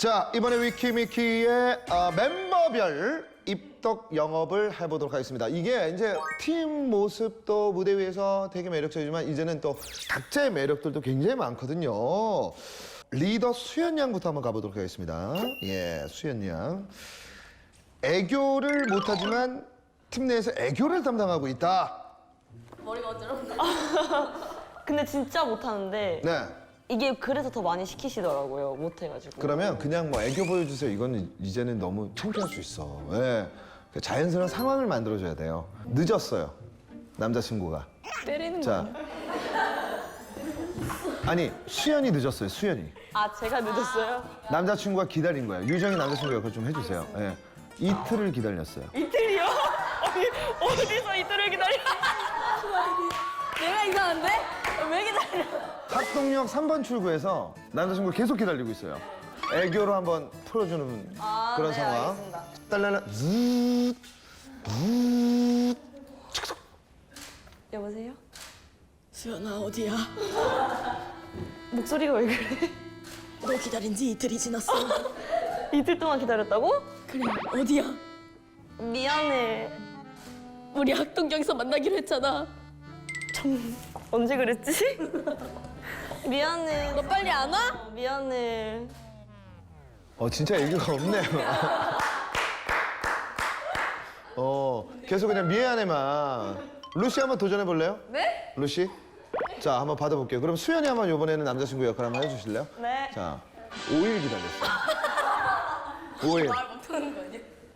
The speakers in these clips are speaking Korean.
자, 이번에 위키미키의 멤버별 입덕 영업을 해보도록 하겠습니다. 이게 이제 팀 모습도 무대 위에서 되게 매력적이지만 이제는 또 각자의 매력들도 굉장히 많거든요. 리더 수연 양부터 한번 가보도록 하겠습니다. 예, 수연 양. 애교를 못하지만 팀 내에서 애교를 담당하고 있다. 머리가 어지러운데. 근데 진짜 못하는데 네. 이게 그래서 더 많이 시키시더라고요. 못해가지고. 그러면 그냥 뭐 애교 보여주세요. 이건 이제는 너무 창피할 수 있어. 예. 자연스러운 상황을 만들어줘야 돼요. 늦었어요. 남자친구가. 때리는 자. 아니, 수연이 늦었어요. 수연이. 아, 제가 늦었어요? 남자친구가 기다린 거예요. 유정이 남자친구 역할 좀 해주세요. 예. 이틀을 기다렸어요. 이틀이요? 아니, 어디서 이틀을 기다려? 내가 이상한데? 왜 기다려? 학동역 3번 출구에서 남자친구 계속 기다리고 있어요. 애교로 한번 풀어주는 그런 네, 상황. 알겠습니다. 딸랄라 즈읒 즈읒 여보세요? 수연아 어디야? 목소리가 왜 그래? 너 기다린 지 이틀이 지났어. 이틀 동안 기다렸다고? 그래 어디야? 미안해. 우리 학동역에서 만나기로 했잖아. 언제 그랬지? 미안해. 너 빨리 안 와? 미안해. 진짜 애교가 없네요. 계속 그냥 미안해만. 루시 한번 도전해 볼래요? 네? 루시? 자, 한번 받아볼게요. 그럼 수연이 한번 이번에는 남자친구 역할 한번 해주실래요? 네. 자, 5일 기다렸어요. 5일. 말 못하는 거 아니야?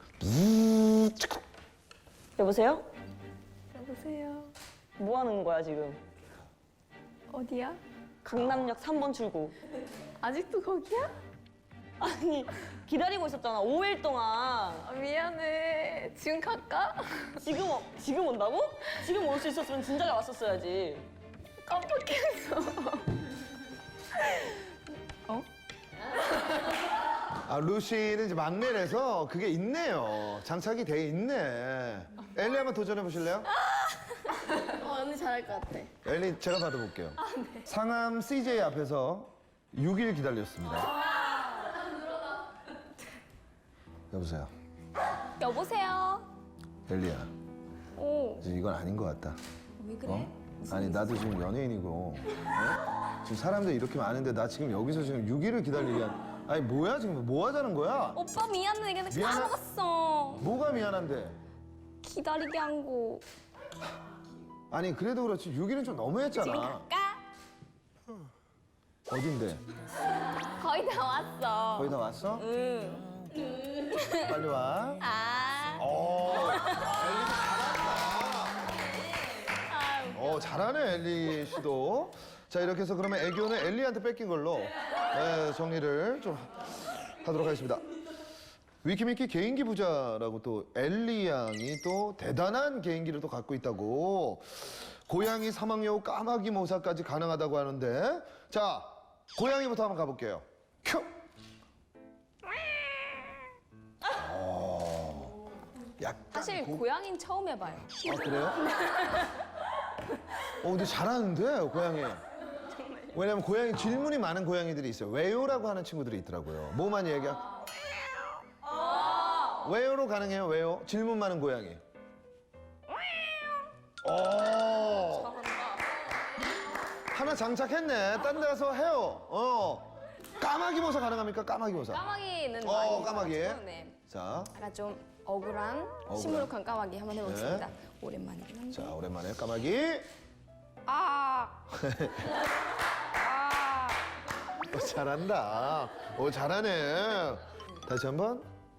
여보세요? 여보세요. 뭐 하는 거야, 지금? 어디야? 강남역 3번 출구. 아직도 거기야? 아니, 기다리고 있었잖아. 5일 동안. 아, 미안해. 지금 갈까? 지금 온다고? 지금 올 수 있었으면 진작에 왔었어야지. 깜빡했어. 어? 루시는 이제 막내라서 그게 있네요. 장착이 돼 있네. 엘리 한번 도전해 보실래요? 언니 잘할 것 같아. 엘리 제가 받아볼게요. 상암 CJ 앞에서 6일 기다렸습니다. 여보세요. 여보세요. 엘리야, 오. 이제 이건 아닌 것 같다. 왜 그래? 아니 나도 지금 연예인이고 지금 사람들 이렇게 많은데 나 지금 여기서 지금 6일을 기다리게 아니 뭐야 지금 뭐 하자는 거야? 오빠 미안해. 근데 미안해? 까먹었어. 뭐가 미안한데? 기다리게 한 거. 아니 그래도 그렇지 6일은 좀 지금 너무했잖아. 갈까? 어딘데? 거의 다 왔어. 거의 다 왔어? 응. 빨리 와. 아. 잘하네 엘리 씨도. 자 이렇게 해서 그러면 애교는 엘리한테 뺏긴 걸로 정리를 좀 하도록 하겠습니다. 위키미키 개인기 부자라고 또 엘리 양이 또 대단한 개인기를 또 갖고 있다고. 고양이 사막여우 까마귀 모사까지 가능하다고 하는데 자 고양이부터 한번 가볼게요. 큐. 약간 사실 고양이는 처음 해봐요. 그래요? 근데 잘하는데 고양이. 왜냐면 고양이 질문이 많은 고양이들이 있어요. 왜요라고 하는 친구들이 있더라고요. 뭐 많이 얘기해? 왜요로 가능해요? 왜요? 질문 많은 고양이. 하나 장착했네. 딴 데 가서 해요. 까마귀 모사 가능합니까? 까마귀 모사. 까마귀는 까마귀. 네. 자, 약간 좀 억울한 시무룩한 까마귀 한번 해보겠습니다. 오랜만이긴 한데. 자 오랜만에 까마귀. 아. 아. 잘한다. 잘하네. 다시 한번.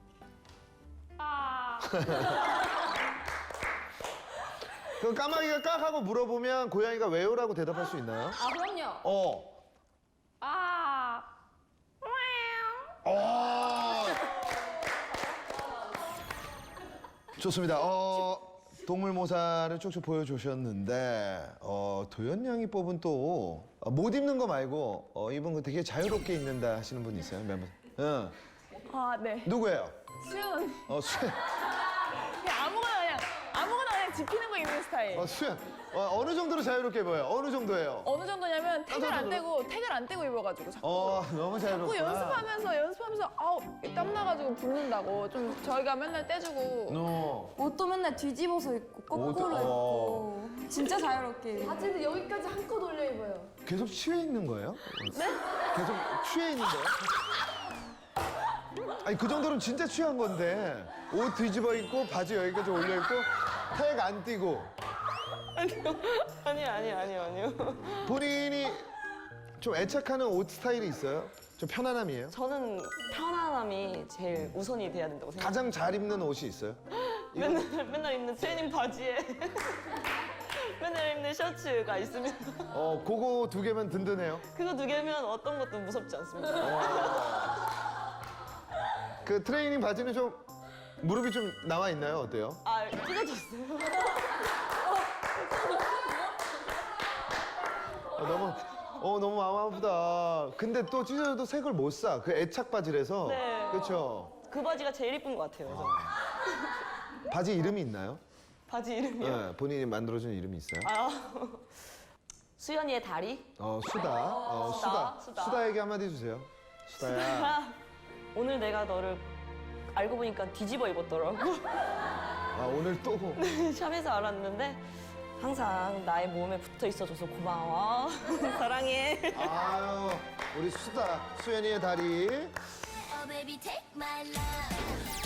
아. 그 까마귀가 깍 하고 물어보면 고양이가 왜요라고 대답할 수 있나요? 아 그럼요. 아. 좋습니다. 동물 모사를 쭉쭉 보여주셨는데 도연 양이 뽑은 또 못 입는 거 말고 입은 거 되게 자유롭게 입는다 하시는 분 있어요? 멤버? 응. 아 네. 누구예요? 수연. 수연. 그냥 아무거나 그냥 지키는 거 입는 스타일. 수연 어느 정도로 자유롭게 입어요? 어느 정도예요? 어느 정도냐면 택을 안 정도로? 떼고 입어가지고 자꾸. 너무 자유롭구나. 자꾸 연습하면서 아우 땀 나가지고 붓는다고 좀 저희가 맨날 떼주고. 옷도 맨날 뒤집어서 입고 거꾸로 옷도- 입고 진짜 자유롭게 입어요. 바지는 여기까지 한껏 올려 입어요. 계속 취해 있는 거예요? 네? 계속 취해 있는 거예요? 아니 그 정도는 진짜 취한 건데 옷 뒤집어 입고 바지 여기까지 올려 입고 택 안 띄고 아니요. 본인이 좀 애착하는 옷 스타일이 있어요? 좀 편안함이에요? 저는 편안함이 제일 우선이 돼야 된다고 생각해요. 가장 잘 입는 옷이 있어요? 맨날 입는 트레이닝 바지에 맨날 입는 셔츠가 있으면 그거 두 개면 든든해요. 그거 두 개면 어떤 것도 무섭지 않습니다. 그 트레이닝 바지는 좀 무릎이 좀 나와 있나요? 어때요? 아, 찢어졌어요. 너무 마음 아프다. 근데 또 찢어져도 색을 못 사. 그 애착 바지라서. 네. 그렇죠. 그 바지가 제일 이쁜 것 같아요. 그래서. 바지 이름이 있나요? 바지 이름이요? 네, 본인이 만들어준 이름이 있어요? 아, 수연이의 다리? 수다. 수다. 수다에게 한마디 해주세요. 수다야. 아, 오늘 내가 너를 알고 보니까 뒤집어 입었더라고. 오늘 또. 샵에서 알았는데 항상 나의 몸에 붙어 있어줘서 고마워. 사랑해. 아유, 우리 수다. 수연이의 다리. Oh baby take my love